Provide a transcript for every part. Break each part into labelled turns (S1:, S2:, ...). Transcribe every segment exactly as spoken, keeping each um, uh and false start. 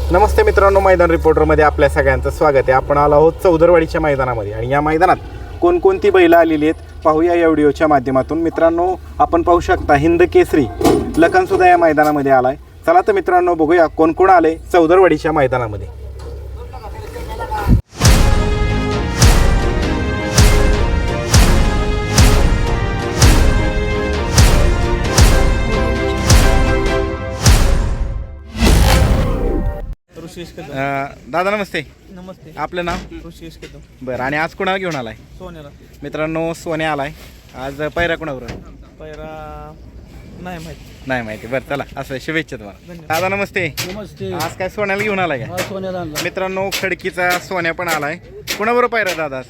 S1: नमस्ते मित्रांनो, मैदान रिपोर्टरमध्ये आपल्या सगळ्यांचं स्वागत आहे. आपण आलो आहोत चौदरवाडीच्या मैदानामध्ये आणि या मैदानात कोणकोणती बैलं आलेली आहेत पाहूया या व्हिडिओच्या माध्यमातून. मित्रांनो, आपण पाहू शकता हिंद केसरी लखनसुद्धा या मैदानामध्ये आला आहे. चला तर मित्रांनो, बघूया कोण कोण आले चौदरवाडीच्या मैदानामध्ये.
S2: ऋषिकेश कदम.
S1: अं, दादा नमस्ते.
S2: नमस्ते.
S1: आपलं नाव?
S2: ऋषिकेश कदम.
S1: बरं, आणि आज कोणाला घेऊन आलाय?
S2: सोन्याला.
S1: मित्रांनो, सोन्या आलाय. आज पायऱ्या कोणावर?
S2: पैरा नाही माहिती.
S1: नाही माहिती. बरं, चला असं शुभेच्छा तुम्हाला.
S2: धन्यवाद.
S1: दादा नमस्ते.
S2: नमस्ते.
S1: आज काय सोन्याला घेऊन आलाय का?
S2: सोन्याला आणला.
S1: मित्रांनो, खडकीचा सोन्या पण आलाय. कोणाबरोबर पायऱ्या दादा?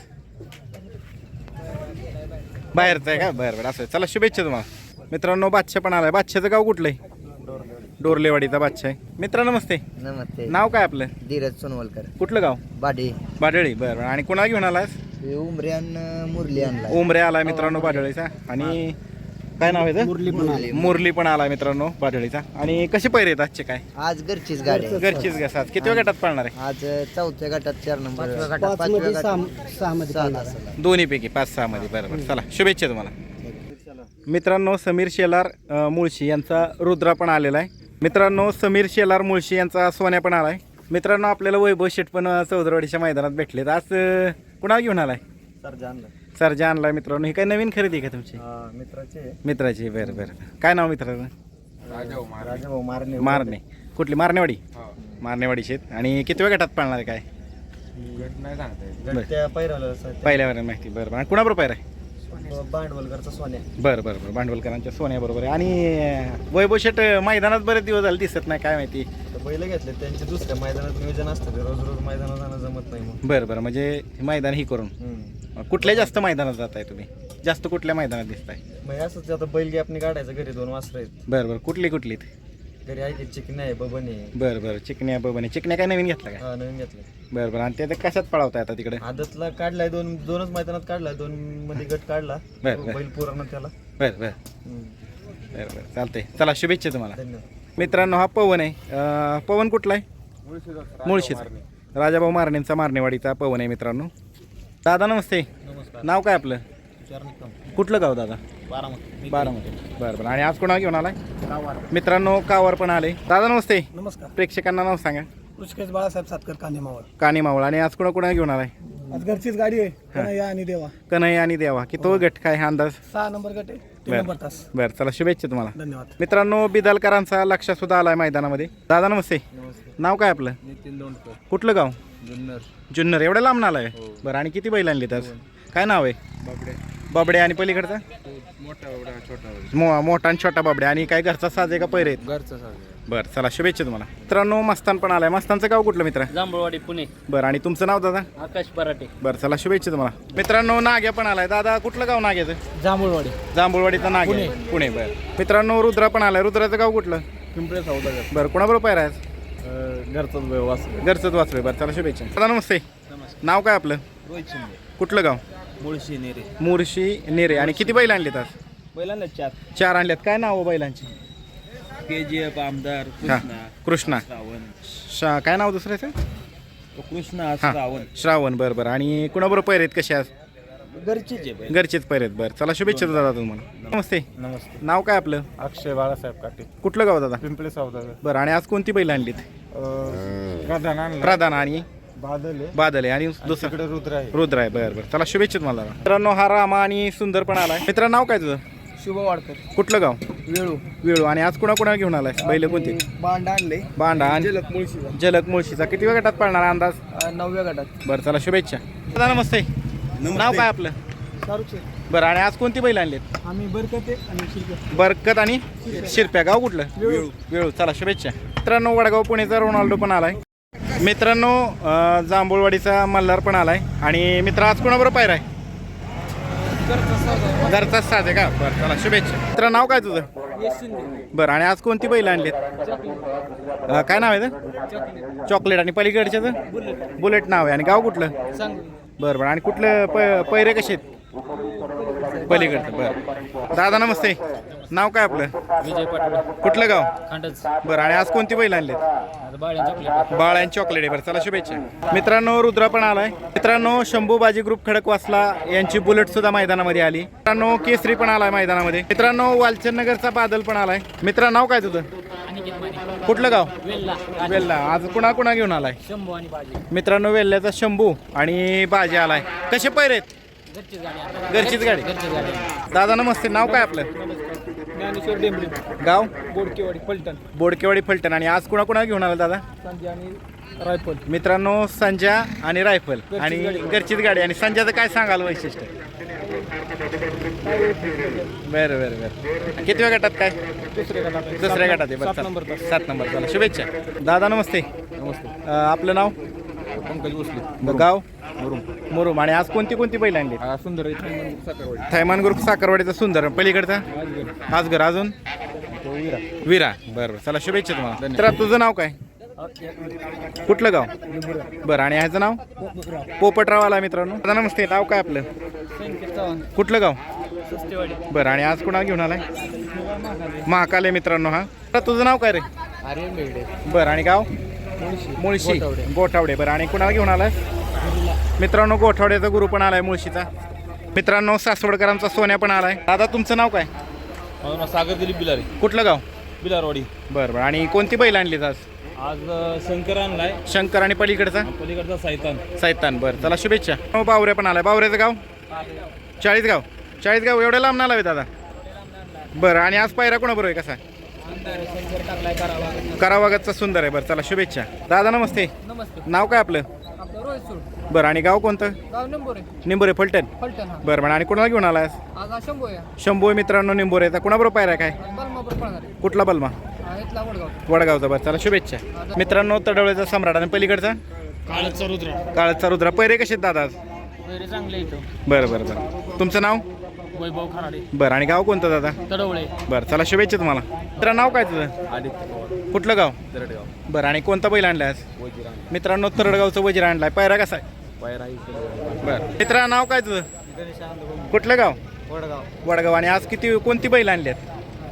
S1: बाहेरचा आहे का? बरं बरं, असं चला शुभेच्छा तुम्हाला. मित्रांनो, बादशाह पण आलाय. बादशाचं गाव कुठलं आहे? डोरलेवाडीचा बादशाह आहे. मित्र नमस्ते.
S3: नमस्ते.
S1: नाव काय आपलं?
S3: धीरज सोनवलकर.
S1: कुठलं गाव?
S3: बाडी.
S1: बाडळी. बरं बरं, आणि कोणाला घेऊन आलास?
S3: उमऱ्यान मुरली आणला.
S1: उमरे आलाय मित्रांनो बाडळीचा. आणि काय नाव आहे?
S3: मुरली पण आली.
S1: मुरली पण आलाय मित्रांनो बाडळीचा. आणि कसे पैरे आहेत आजचे? काय
S3: आज घरचीच गाडी आहे.
S1: घरचीच गसात. किती गटात पाळणार आहे?
S3: आज चौथ्या गटात चार नंबर गटात पाचव्या गटात सहा मध्ये
S1: दोन्ही पैकी पाच सहा मध्ये. बरं बरं, चला शुभेच्छा तुम्हाला. मित्रांनो, समीर शेलार अ, मुळशी यांचा रुद्रा पण आलेला आहे. मित्रांनो, समीर शेलार मुळशी यांचा सोन्या पण आलाय. मित्रांनो, आपल्याला वैभव शेठ पण चौदरवाडीच्या मैदानात भेटलेत. आज अ, कुणाला घेऊन आलाय? सरजा आणलाय. मित्रांनो, ही काय नवीन खरेदी आहे का तुमची?
S3: मित्राचे
S1: मित्राची. बरं बरं, काय नाव मित्राचं?
S3: राजाभाऊ मारणे.
S1: मारणे. कुठली? मारणेवाडी. मारणेवाडीचे आहेत. आणि किती वेळ गटात पाळणार आहे? काय पहिल्यावर माहिती. बरं बरं, आणि कुणाबरोबर पाहिजे आहे?
S3: भांडवलकरचा सोन्या.
S1: बरं बरं बरं, भांडवलकरांच्या सोन्या बरोबर आहे. आणि वैभव शेठ मैदानात बरेच दिवस झाले दिसत नाही, काय माहिती?
S3: बैल घेतले त्यांचे दुसऱ्या मैदानात नियोजन असतं, ते रोज रोज मैदानात जाणं जमत नाही मग.
S1: बरं बरं, म्हणजे मैदान ही करून कुठल्या जास्त मैदानात जाताय तुम्ही? जास्त कुठल्या मैदानात दिसताय?
S3: मग असंच आता बैल गॅप आपण काढायचं. घरी दोन वासरं आहेत.
S1: बरं बरं, कुठली कुठली?
S3: घरी आहे की चिकणी आहे, बबन आहे.
S1: बरं बरं, चिकण्या बबने. चिकण्या काय नवीन घेतला का?
S3: हा, नवीन घेतलं.
S1: बरं बरं, आणि ते आता कशात पळवताय आता तिकडे?
S3: आदतला काढलाय, दोन दोनच मैदानात काढलाय, दोन मध्ये गट काढला.
S1: बरं, बरं.
S3: बैल पूर्ण त्याला.
S1: बरं बरं बरं बरं, चालतंय. चला शुभेच्छा तुम्हाला.
S3: धन्यवाद.
S1: मित्रांनो, हा पवन आहे. अं, पवन कुठला आहे? मुळशीचा. राजाभाऊ मारणेंचा मारणेवाडीचा पवन आहे मित्रांनो. दादा नमस्ते.
S2: नमस्कार.
S1: नाव काय आपलं? कुठलं गाव दादा?
S2: बारामती.
S1: बारामती. बरं बरं, आणि आज कोणाला घेऊन आलाय? मित्रांनो, कावर पण आले. दादा नमस्ते.
S2: नमस्कार.
S1: प्रेक्षकांना नाव सांगा.
S2: ऋषिकेश बाळासाहेब सातकर, कांदे मावळ.
S1: कानी मावळ. आणि आज कोणा कोणा घेऊन आलाय?
S2: आज घरचीच गाडी आहे. कन्हैया आणि देवा.
S1: कन्हैया आणि देवा. की तो गट काय हा अंदाज?
S2: सहा नंबर गट आहे. तीन
S1: बरं.
S2: नंबर तास.
S1: बरं, चला शुभेच्छा तुम्हाला.
S2: धन्यवाद.
S1: मित्रांनो, बिदालकरांचा लक्ष सुद्धा आलाय मैदानामध्ये. दादा नमस्ते.
S3: नमस्ते.
S1: नाव काय आपलं?
S3: नितीन दोंडकर.
S1: कुठलं गाव?
S3: जुन्नर.
S1: जुन्नर. एवढ्या लांब आलाय? बरं, आणि किती बैल आणली आज? काय नाव आहे?
S3: बाबडे.
S1: बाबडे. आणि पलीकडचा?
S3: मोठा बाबडा, छोटा
S1: मो मोठा आणि छोटा बाबडे. आणि काय घरचा साज आहे का पैरे आहेत?
S3: घरचा साज.
S1: बरं, चला शुभेच्छा तुम्हाला. मित्रांनो, मस्तान पण आलाय. मस्तानचं गाव कुठलं मित्र?
S2: जांभूळवाडी, पुणे.
S1: बरं, आणि तुमचं नाव दादा?
S2: आकाश पराटे.
S1: बरं, चला शुभेच्छा तुम्हाला. मित्रांनो, नाग्या पण आलाय. दादा कुठलं गाव नाग्याचं?
S2: जांभूळवाडी.
S1: जांभूळवाडीचा नाग आहे. पुणे. बरं. मित्रांनो, रुद्रा पण आलाय. रुद्राचं गाव कुठलं?
S2: पिंपळे सौदागर.
S1: बरं, कोणाबरोबर पायरा आहे?
S2: घरचाच वासर.
S1: घरचंच वाचलोय. बरं, चला शुभेच्छा. दादा नमस्ते.
S2: नमस्कार.
S1: नाव काय आपलं?
S2: रोहित शिंदे.
S1: कुठलं गाव?
S2: मुळशी, नेरे.
S1: मुरशी नेरे. आणि किती बैल आणलेत आज?
S2: बैलांना चार.
S1: चार आणल्यात. काय नाव हो बैलांची?
S2: के जी एफ, आमदार,
S1: हा,
S2: कृष्णा.
S1: कृष्णा.
S2: श्रावण.
S1: शा काय नाव दुसऱ्याचं?
S2: कृष्णा,
S1: हां,
S2: श्रावण.
S1: श्रावण. बरं बरं, आणि कुणाबरोबर पैर आहेत कसे आज?
S2: घरचीच आहे बैल.
S1: घरचेच पैर आहेत. बरं, चला शुभेच्छा दादा तुम्हाला. नमस्ते.
S2: नमस्ते.
S1: नाव काय आपलं?
S2: अक्षय बाळासाहेब काटे.
S1: कुठलं गाव दादा?
S2: पिंपळे सौदागर.
S1: बरं, आणि आज कोणती बैल आणलीत?
S2: प्रधान
S1: प्रधान आणि
S2: बादल आहे.
S1: बादल आहे. आणि दुसरं
S2: तिकडे रुद्र आहे.
S1: रुद्र आहे. बरं बरं, चला शुभेच्छा तुम्हाला. मित्रांनो, हा रामा आणि सुंदर पण आलाय. मित्रांनो, नाव काय तुझं?
S2: शुभ वाडकर.
S1: कुठलं गाव?
S2: वेळू.
S1: वेळू. आणि आज कुणा कुणा घेऊन आलाय? बैल कोणती?
S2: बांड आणले.
S1: बांडा आणि
S2: जलक मुळशीचा.
S1: जलक मुळशीचा. किती वेळ गटात पाळणार अंदाज?
S2: नवव्या गटात.
S1: बरं, चला शुभेच्छा. दादा नमस्ते. नाव काय आपलं?
S2: शाहरुख.
S1: बरं, आणि आज कोणती बैल आणलीत?
S2: आम्ही बरकते आणि शिरके.
S1: बरकत आणि शिरप्या. गाव कुठलं?
S2: वेळू.
S1: वेळू. चला शुभेच्छा. मित्रांनो, वडगाव पुणेचा रोनाल्डो पण आलाय. मित्रांनो, अं, जांभूळवाडीचा मल्हार पण आलाय. आणि मित्र, आज कोणाबरोबर पायरा आहे? घरचाच साज आहे का? बरं, चला शुभेच्छा. मित्र, नाव काय तुझं? बरं, आणि आज कोणती बैल आणलीत? अं, काय नाव आहे ते? चॉकलेट. आणि पलीकडच्याचं? बुलेट नाव आहे. आणि गाव कुठलं? बरं बरं, आणि कुठलं प पैरे कसे आहेत? पलीकडचं. बरं. दादा नमस्ते. नाव काय आपलं?
S4: विजय पाटोळे
S1: कुठलं गाव?
S4: खांडच
S1: बरं आणि आज कोणती बैल आणलीत?
S4: आता बाळ्या चॉकलेट
S1: बाळ आणि चॉकलेट आहे. बरं चला शुभेच्छा. मित्रांनो रुद्रा पण आलाय. मित्रांनो शंभू बाजी ग्रुप खडकवासला यांची बुलेट सुद्धा मैदानामध्ये आली. मित्रांनो केसरी पण आलाय मैदानामध्ये. मित्रांनो वालचंद नगरचा बादल पण आलाय. मित्रा नाव काय तुझं? कुठलं गाव?
S4: वेल्ला
S1: वेल्ला. आज कुणा कुणा घेऊन आलाय?
S4: शंभू आणि बाजी
S1: मित्रांनो वेल्ल्याचा शंभू आणि बाजी आलाय. कसे पैर आहेत?
S4: घरचीच गाडी आता.
S1: घरचीच गाडी.
S4: घरचीच गाडी
S1: दादा नमस्ते. नाव काय आपलं?
S2: ज्ञानेश्वर डेंबरी
S1: गाव?
S2: बोडकेवाडी फलटण
S1: बोडकेवाडी फलटण. आणि आज कुणा कुणा घेऊन आला दादा?
S2: संजय आणि रायफल.
S1: मित्रांनो संजा आणि रायफल आणि घरचीच गाडी. आणि संजयचं काय सांगाल वैशिष्ट्य? बरं बरं बरं. कितव्या गटात काय?
S2: दुसऱ्या गटात
S1: दुसऱ्या गटात आहे. बरं
S2: सात नंबर
S1: चला. सात नंबर. चला शुभेच्छा. दादा नमस्ते.
S2: नमस्ते.
S1: अं, आपलं नाव?
S2: पंकज भोसले
S1: गाव?
S2: मुरुम.
S1: मुरुम. आणि आज कोणती कोणती बैल आणली?
S2: हा सुंदर आहे साखरवाडी.
S1: थैमान ग्रुप साखरवाडीचा सुंदर. पलीकडचा आजगर. अजून
S2: तो विरा.
S1: विरा. बरं बरं. चला शुभेच्छा तुम्हाला. तर तुझं नाव काय? कुठलं गाव? बरं. आणि ह्याचं नाव? पोपटराव आला. मित्रांनो दादा नमस्ते. नाव काय आपलं? कुठलं गाव? बरं. आणि आज कुणाला घेऊन आलाय? महाकाल आहे मित्रांनो हा. तर तुझं नाव काय रे?
S2: आर्यन बेगडे.
S1: बरं. आणि गाव? मुळशी. गोठावडे. बरं. आणि कुणाला घेऊन आलाय? मित्रांनो गोठावड्याचा गुरु पण आलाय मुळशीचा. मित्रांनो सासवडकरांचा सोन्या पण आलाय. दादा तुमचं नाव काय?
S4: सागर दिलीप बिलारी
S1: कुठलं गाव?
S4: बिलारवाडी.
S1: बरं बरं. आणि कोणती बैल आणलीत आज?
S4: आज शंकर आणलाय.
S1: शंकर. आणि पलीकडचा?
S4: पलीकडचा सायतान.
S1: सैतान. बरं चला शुभेच्छा. हो बावऱ्या पण आलाय. बावऱ्याचं गाव? चाळीसगाव. चाळीसगाव. एवढ्या लांब नाला दादा? बरं. आणि आज पायरा कोणाबरोबर आहे? कसा? करावागतचा सुंदर आहे. बरं चला शुभेच्छा. दादा नमस्ते.
S2: नमस्ते.
S1: नाव काय आपलं?
S2: आपलं रोहित सूड.
S1: बरं. आणि गाव कोणतं?
S2: गाव निंबोरे.
S1: निंबोरे फलटण.
S2: फलटण. हा
S1: बरं बरं. आणि कोणाला घेऊन आलाय?
S2: आज हा शंभू आहे.
S1: शंभू मित्रांनो निंबोरेचा. कुणाबरोबर पायरा काय?
S2: बलमापूर पळणार आहे.
S1: कुठला बलमा?
S2: हा इथला वडगाव.
S1: वडगावचा. बरं चला शुभेच्छा. मित्रांनो तडवळ्याचा सम्राट. आणि पलीकडचा?
S4: काळचा रुद्र.
S1: काळचा रुद्रा. पैरे कसे आहेत दादा आज?
S4: वगैरे चांगले येतो.
S1: बरं बरं बरं. तुमचं नाव?
S4: वैभव खराडे.
S1: बरं. आणि गाव कोणतं दादा?
S4: तडवळे.
S1: बरं चला शुभेच्छा तुम्हाला. मित्रा नाव काय तुझं?
S2: आदित्य.
S1: कुठलं गाव?
S2: दरडगाव.
S1: बरं. आणि कोणता बैल आणलाय आज?
S2: वजिरा.
S1: मित्रांनो तरडगावचं वजीर आणलाय. पायरा कसा आहे?
S2: पायराई.
S1: बरं. मित्रा नाव काय तुझं? कुठलं गाव?
S2: वडगाव.
S1: वडगाव. आणि आज किती कोणती बैल आणली आहेत?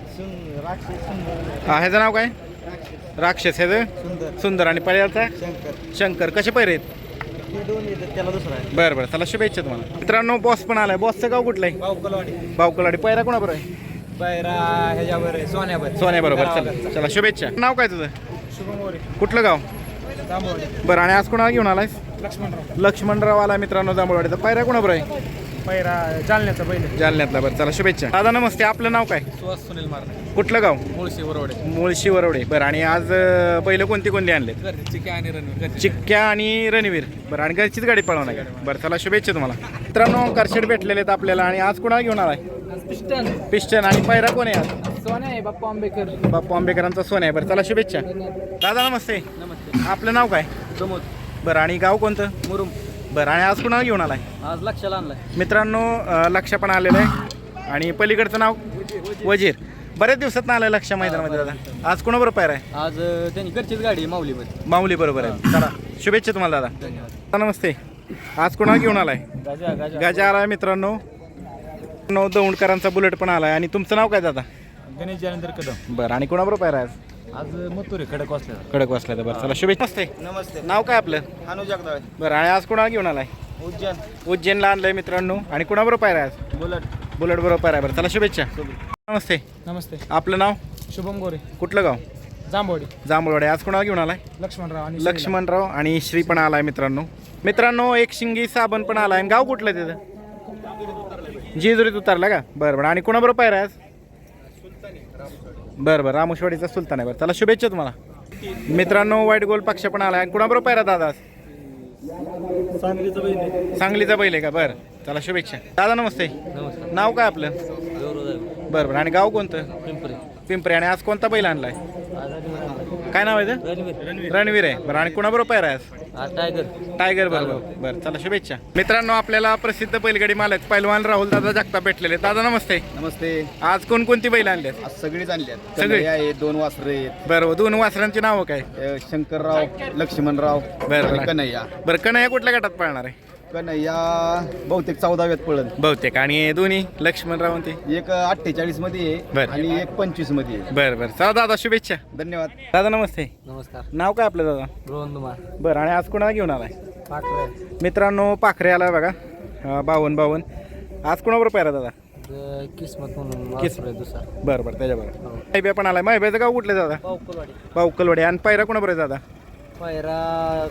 S1: हा ह्याचं नाव काय? राक्षस. ह्याचं?
S2: सुंदर.
S1: सुंदर. आणि पळ्याचा?
S2: शंकर.
S1: शंकर. कसे पैरे आहेत?
S2: हे दोन येतात त्याला दुसरा आहे.
S1: बरं बरं चला शुभेच्छा तुम्हाला. मित्रांनो बॉस पण आलाय. बॉसचं गाव कुठलं आहे?
S2: बावकलवाडी.
S1: बावकलवाडी. पैरा कोणाबरोबर आहे?
S2: पायरा ह्याच्यावर आहे सोन्यावर.
S1: सोन्याबरोबर. चला चला शुभेच्छा. नाव काय तुझं?
S2: शुभम मोरे.
S1: कुठलं गाव?
S2: जांभवाडी.
S1: बरं. आणि आज कोणाला घेऊन आलायस?
S2: लक्ष्मणराव.
S1: लक्ष्मणराव आला मित्रांनो जांभळवाडीचा. पायरा कोणाबरोबर आहे?
S2: पायरा जालन्याचा पहिले.
S1: जालन्यातला. बरं चला शुभेच्छा. दादा नमस्ते. आपलं नाव काय?
S2: सुहास सुनील मारणे.
S1: कुठलं गाव?
S2: मुळशी वरवडे.
S1: मुळशी वरवडे. बरं. आणि आज अं, बैल कोणती कोणती आणलेत?
S2: चिक्या आणि रणवीर.
S1: चिक्क्या आणि रणवीर. बरं. आणि घरचीच गाडी पळवणार आहे. बरं चला शुभेच्छा तुम्हाला. मित्रांनो करशेड भेटलेले आहेत आपल्याला. आणि आज कुणाला घेऊन आलाय?
S2: पिस्टन.
S1: पिस्टन. आणि पायरा कोण आहे आज?
S2: सोन्या आहे बाप्पा आंबेकर.
S1: बाप्पू आंबेकरांचा सोन आहे. बरं चला शुभेच्छा. दादा नमस्ते.
S2: नमस्ते.
S1: आपलं नाव काय?
S2: प्रमोद.
S1: बरं. आणि गाव कोणतं?
S2: मुरुम.
S1: बरं. आणि आज कुणाला घेऊन आलाय?
S2: आज लक्षाला आणलाय.
S1: मित्रांनो अं, लक्ष पण आलेलं आहे. आणि पलीकडचं नाव? वजीर. बऱ्याच दिवसात आलाय लक्ष मैदानामध्ये दादा. आज कोणाबरोबर पायरा आहे?
S2: आज त्यांनी घरचीच गाडी आहे माऊलीमध्ये.
S1: माऊली बरोबर आहे. चला शुभेच्छा तुम्हाला दादा.
S2: धन्यवाद.
S1: नमस्ते. आज कोणाला घेऊन आलाय?
S2: गाजा गाजा.
S1: गाजा आलाय मित्रांनो. नो दौंडकरांचा बुलेट पण आलाय. आणि तुमचं नाव काय दादा?
S2: गणेश जानेंद्र कदम.
S1: बरं. आणि कोणाबरोबर पायरा आहे आज?
S2: आज मथुरे खडक वाचल्या.
S1: खडक वाचला तर. बरं चला शुभेच्छा. नमस्ते.
S2: नमस्ते.
S1: नाव काय आपलं?
S2: अनु जगदाळे.
S1: बरं. आणि आज कोणाला घेऊन आलाय?
S2: उज्जैन.
S1: उज्जैनला आणलंय मित्रांनो. आणि कोणाबरोबर पायरा आहे आज?
S2: बुलट.
S1: बुलेट बरोबर पायरा आहे. बरं चला शुभेच्छा. नमस्ते.
S2: नमस्ते.
S1: आपलं नाव?
S2: शुभम गोरे.
S1: कुठलं गाव?
S2: जांभवाडी.
S1: जांभळवाडी. आज कोणाला घेऊन आलाय?
S2: लक्ष्मणराव आणि
S1: लक्ष्मणराव आणि श्री पण आलाय मित्रांनो. मित्रांनो एक शिंगी साबण पण आलाय. आणि गाव कुठलं आहे तिथं? जेजुरीत उतरला का? बरं बरं. आणि कोणाबरोबर पायरा आहे आज? बरं बरं. रामेश्वरीचा सुलतान आहे. बरं चला शुभेच्छा तुम्हाला. मित्रांनो वाईट गोल पक्ष पण आलाय. आणि कोणाबरोबर पायरा दादा?
S2: सांगलीचं बहीण.
S1: सांगलीचा बैल आहे का? बरं चला शुभेच्छा. दादा नमस्ते.
S2: नमस्कार.
S1: नाव काय आपलं? बरं बरं. आणि गाव कोणतं?
S2: पिंपरी.
S1: पिंपरी. आणि आज कोणता बैल आणलाय? काय नाव आहे ते?
S2: रणवीर.
S1: रणवीर आहे. बरं. आणि कोणाबरोबर पायरा आहे आज?
S2: आज टायगर.
S1: टायगर बरोबर. बरं चला शुभेच्छा. मित्रांनो आपल्याला प्रसिद्ध बैलगाडी मालक पैलवान राहुल दादा जगताप भेटलेले. दादा नमस्ते.
S5: नमस्ते.
S1: आज कोणकोणती बैल आणली आहेत?
S5: आज सगळीच आणली आहेत.
S1: सगळी?
S5: कन्हैया आहेत, दोन वासरे आहेत.
S1: बरं दोन वासरांची नावं काय?
S5: अ, शंकरराव, लक्ष्मणराव
S1: बरं.
S5: आणि कन्हैया.
S1: बरं कन्हैया कुठल्या गटात पळणार आहे?
S5: कन्हैया बहुतेक चौदाव्यात पळण.
S1: बहुतेक आणि दोन्ही लक्ष्मणराव ते
S5: एक अठ्ठेचाळीस मध्ये आहे
S1: बरं.
S5: आणि एक पंचवीस मध्ये आहे.
S1: बरं बरं चला दादा शुभेच्छा.
S5: धन्यवाद.
S1: दादा नमस्ते.
S2: नमस्कार
S1: नाव काय आपलं दादा?
S2: रोहन दुमार
S1: बरं आणि आज कोणाला घेऊन आलाय?
S2: पाकळे
S1: मित्रांनो पाखरे आला बघा अं, बावन्न बावन्न. आज कोणाबरोबर पाहिला दादा?
S2: किस्मत म्हणून
S1: किस-
S2: दुसरा
S1: बरं बरं त्याच्याबरोबर माहिब्या पण आलाय. माहिब्याचं गाव कुठलं दादा?
S2: पावकलवाडी
S1: पावकलवाडी. आणि पायरा कोणाबरोबर आहे दादा?
S2: पायरा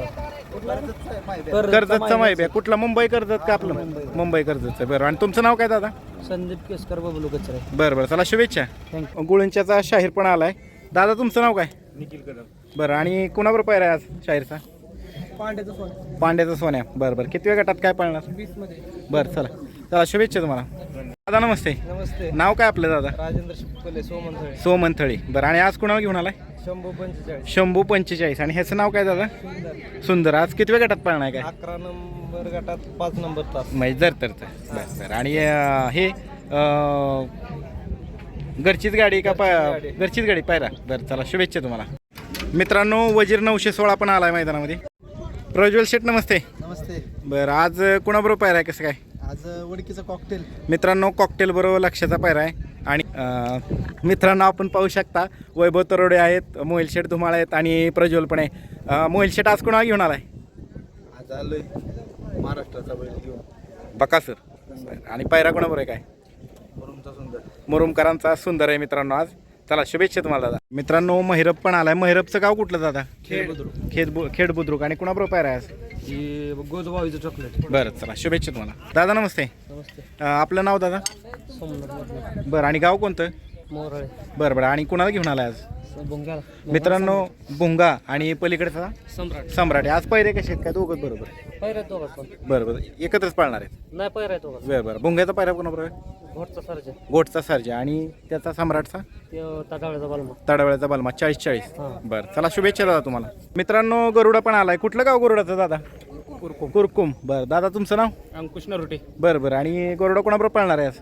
S1: कर्जतचा माहिब्या. कुठला? मुंबई कर्जत का आपलं? मुंबई कर्जतचं. बरं आणि तुमचं नाव काय दादा?
S2: संदीप केसकर बबलू कचरे.
S1: बरं बरं चला शुभेच्छा.
S2: थँक्यू.
S1: गुळंच्याचा शाहीर पण आलाय. दादा तुमचं नाव काय?
S3: निखिल कदम.
S1: बरं आणि कोणाबरोबर पायरा आहे आज शाहीरचा?
S2: पांड्याचं सोन
S1: पांड्याचा सोन्या. बरं बरं किती वेळ गटात काय पाळणार?
S2: वीस मध्ये.
S1: बरं चला चला शुभेच्छा तुम्हाला. दादा नमस्ते.
S2: नमस्ते.
S1: नाव काय आपलं दादा?
S2: राजेंद्र शिपले सोमनथळे.
S1: सोमंथळी. बरं आणि आज कोणाला घेऊन आलाय?
S2: शंभू पंचेचाळीस.
S1: शंभू पंचेचाळीस. आणि ह्याचं नाव काय दादा? सुंदर. आज किती वेळ गटात पाळणार काय?
S2: अकरा नंबर गटात पाच नंबर तास.
S1: म्हणजे जर तर तर. बरं बरं आणि अं, हे अं, घरचीच गाडी का पा
S2: गाडी.
S1: घरचीच गाडी पायरा. बरं चला शुभेच्छा तुम्हाला. मित्रांनो वजीर नऊशे सोळा पण आलाय मैदानामध्ये. प्रज्वल शेठ नमस्ते.
S2: नमस्ते.
S1: बरं आज कोणाबरोबर पायरा आहे कसं काय?
S2: आज वडकीचं कॉकटेल.
S1: मित्रांनो कॉकटेल बरोबर लक्षाचा पायरा आहे. आणि अं, मित्रांनो आपण पाहू शकता वैभव तरोडे आहेत, मोहिल शेठ धुमाळ आहेत आणि प्रज्वल पण आहे. अं, मोहिल शेठ आज कोणाला घेऊन आलाय?
S5: आज आलोय महाराष्ट्राचा बैल घेऊन.
S1: बकासूर. आणि पायरा कोणाबरोबर आहे काय?
S5: मुरुमचा सुंदर.
S1: मुरुमकरांचा सुंदर आहे मित्रांनो आज. चला शुभेच्छा तुम्हाला दादा. मित्रांनो महिरप पण आलाय. महिरपचं गाव कुठलं दादा?
S2: खेड.
S1: खेड बु खेड बुद्रुक. आणि कुणाबरोबर पायरा आहे आज?
S2: ही गोदबावीचं चॉकलेट.
S1: बरं चला शुभेच्छा तुम्हाला. दादा नमस्ते.
S2: नमस्ते.
S1: अं, आपलं नाव दादा?
S2: सोमनाथ
S1: बरं आणि गाव कोणतं?
S2: मोरळे.
S1: बरं बरं आणि कुणाला घेऊन आलाय आज?
S2: बुंग्याला.
S1: मित्रांनो भुंगा आणि पलीकडचा
S2: सम्राट.
S1: सम्राट. आज पैरे कसे आहेत काय? दोघं बरोबर?
S2: पैरा दोघात पण.
S1: बरं बरं एकत्रच पाळणार आहेत.
S2: नाही पैरा दोघात.
S1: बरं बरं भुंग्याचा पायरा कोणाबरोबर आहे?
S2: घोटचा सरजा.
S1: गोटचा सर्जा. आणि त्याचा सम्राटचा?
S2: ते ताडावळ्याचा बालमा.
S1: तडवळ्याचा बलमा. चाळीस चाळीस.
S2: हां.
S1: बरं चला शुभेच्छा दादा तुम्हाला. मित्रांनो गरुडा पण आलाय. कुठलं गाव गरुडाचं दादा? कुरकुम. कुरकुम. बरं दादा तुमचं नाव?
S4: अंकुश नरोटे.
S1: बरं बरं आणि गरुडा कोणाबरोबर पाळणार आहे आज?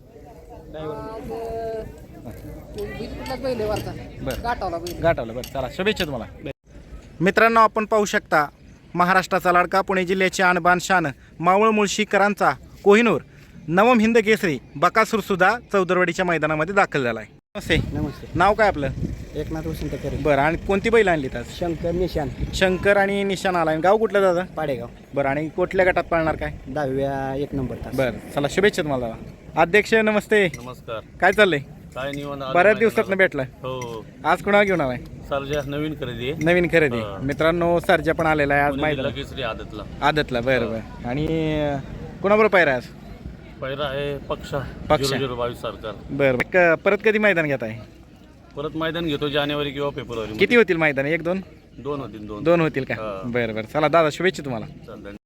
S1: बरं गाठवलं. बरं चला शुभेच्छा तुम्हाला. मित्रांनो आपण पाहू शकता महाराष्ट्राचा लाडका पुणे जिल्ह्याची आणबान शान मावळ मुळशीकरांचा कोहिनूर नवम हिंद केसरी बकासूर सुद्धा चौदरवाडीच्या मैदानामध्ये दाखल झाला आहे. नमस्ते.
S2: नमस्ते.
S1: नाव काय आपलं?
S2: एकनाथ वसंत करे.
S1: बरं आणि कोणती बैल आणली आज?
S2: शंकर निशान.
S1: शंकर आणि निशाण आला. गाव कुठलं दादा?
S2: पाडेगाव.
S1: बरं आणि कुठल्या गटात पाळणार काय?
S2: दहाव्या एक नंबर तास.
S1: बरं चला शुभेच्छा तुम्हाला दादा. अध्यक्ष नमस्ते.
S3: नमस्कार.
S1: काय चाललंय?
S3: काय निवांत.
S1: बऱ्याच दिवसात भेटलाय.
S3: हो.
S1: आज कोणाला घेऊन आलाय?
S3: सरजा नवीन खरेदी आहे.
S1: नवीन खरेदी.
S3: हा.
S1: मित्रांनो सर्जा पण आलेला आहे आज
S3: पुणे जिल्हा
S1: माहिती
S3: केसरी आदतला.
S1: आदतला. बरं बरं आणि अं, कोणाबरोबर पायरा आहे आज?
S3: पहिला आहे पक्षा.
S1: पक्षा.
S3: झिरो झिरो बावीस सरकार.
S1: बरं बरं. क- परत कधी मैदान घेत आहे?
S3: परत मैदान घेतो जानेवारी किंवा फेब्रुवारी.
S1: किती होतील मैदान? एक दोन
S3: दोन होतील. दोन
S1: दोन होतील का?
S3: हा.
S1: बरं बरं चला दादा शुभेच्छा तुम्हाला.
S3: चालतंय.